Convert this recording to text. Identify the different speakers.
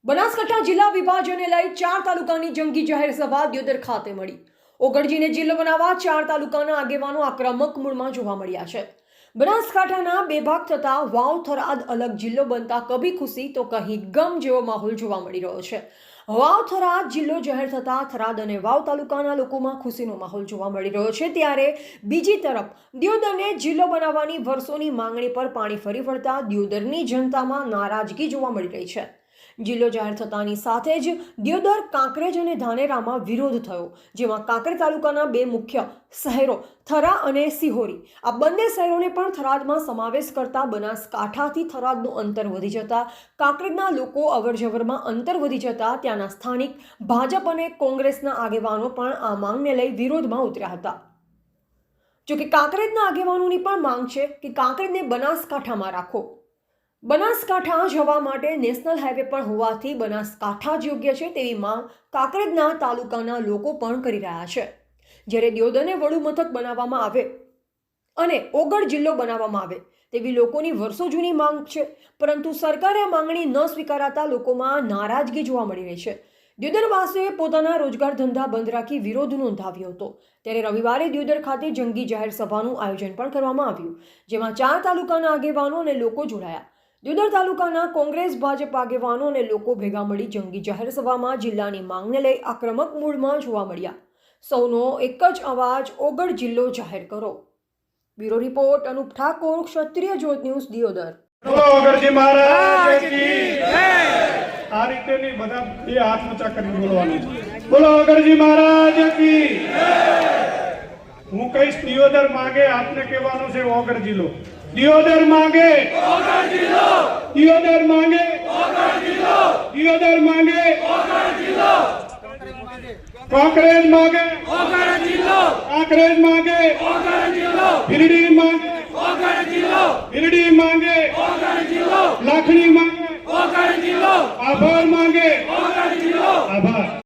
Speaker 1: બનાસકાંઠા જિલ્લા વિભાજનને લઈ 4 તાલુકાની જંગી જાહેર સભા દિયોદર ખાતે મળી। ઓગળજીને જિલ્લો બનાવવા 4 તાલુકાના આગેવાનો આક્રમક મૂડમાં જોવા મળ્યા છે। બનાસકાંઠાના બે ભાગ થતા વાવ થરાદ અલગ જિલ્લો બનતા કભી ખુશી તો કહી ગમ જેવો માહોલ જોવા મળી રહ્યો છે। વાવ થરાદ જિલ્લો જાહેર થતા થરાદ અને વાવ તાલુકાના લોકોમાં ખુશીનો માહોલ જોવા મળી રહ્યો છે। ત્યારે બીજી તરફ દિયોદરને જિલ્લો બનાવવાની વર્ષોની માંગણી પર પાણી ફરી વળતા દિયોદરની જનતામાં નારાજગી જોવા મળી રહી છે। જિલ્લો જાહેર થતાની સાથે જ દિયોદર, કાંકરેજ અને ધાનેરામાં વિરોધ થયો, જેમાં કાંકરેજ તાલુકાના બે મુખ્ય શહેરો થરા અને સિહોરી આ બંને શહેરોને પણ થરાદમાં સમાવેશ કરતા બનાસકાંઠાથી થરાદનું અંતર વધી જતા કાંકરેજના લોકો અવરજવરમાં અંતર વધી જતા ત્યાંના સ્થાનિક ભાજપ અને કોંગ્રેસના આગેવાનો પણ આ માંગને લઈ વિરોધમાં ઉતર્યા હતા। જોકે કાંકરેજના આગેવાનોની પણ માંગ છે કે કાંકરેજને બનાસકાંઠામાં રાખો। બનાસકાંઠા જવા માટે નેશનલ હાઈવે પણ હોવાથી બનાસકાંઠા જ યોગ્ય છે તેવી માંગ કાંકરેજના તાલુકાના લોકો પણ કરી રહ્યા છે। જ્યારે દિયોદરને વડુ મથક બનાવવામાં આવે અને ઓગળ જિલ્લો બનાવવામાં આવે તેવી લોકોની વર્ષો જૂની માંગ છે, પરંતુ સરકારે આ માંગણી ન સ્વીકારાતા લોકોમાં નારાજગી જોવા મળી રહી છે। દિયોદરવાસીઓએ પોતાના રોજગાર ધંધા બંધ રાખી વિરોધ નોંધાવ્યો હતો। ત્યારે રવિવારે દિયોદર ખાતે જંગી જાહેર સભાનું આયોજન પણ કરવામાં આવ્યું, જેમાં 4 તાલુકાના આગેવાનો અને લોકો જોડાયા। દિયોદર તાલુકાના કોંગ્રેસ, ભાજપ આગેવાનો અને લોકો ભેગા મળી જંગી જાહેર સભામાં જિલ્લાની માંગને લઈ આક્રમક મૂડમાં જોવા મળ્યા। સૌનો એક જ અવાજ, ઓગળ જિલ્લો જાહેર કરો। બ્યુરો રિપોર્ટ, અનુપ ઠાકોર, ક્ષત્રિય જ્યોત ન્યૂઝ, દિયોદર।
Speaker 2: ઓગળજી મહારાજ કી જય। આ રીતેની બધા બે હાથ ઊંચા કરીને બોલવાનું છે। બોલો ઓગળજી મહારાજ કી જય। હું કહીશ દિયોદર માંગે, આપને કહેવાનું છે ઓગળ જિલ્લો। દિયોદર માંગે ઓગળ જિલ્લો, દિયોદર માંગે ઓગળ જિલ્લો, દિયોદર માંગે ઓગળ જિલ્લો, કાંકરેજ માંગે ઓગળ જિલ્લો, કાંકરેજ માંગે ઓગળ જિલ્લો, ભીલડી માંગે ઓગળ જિલ્લો, ભીલડી માંગે ઓગળ જિલ્લો, લાખણી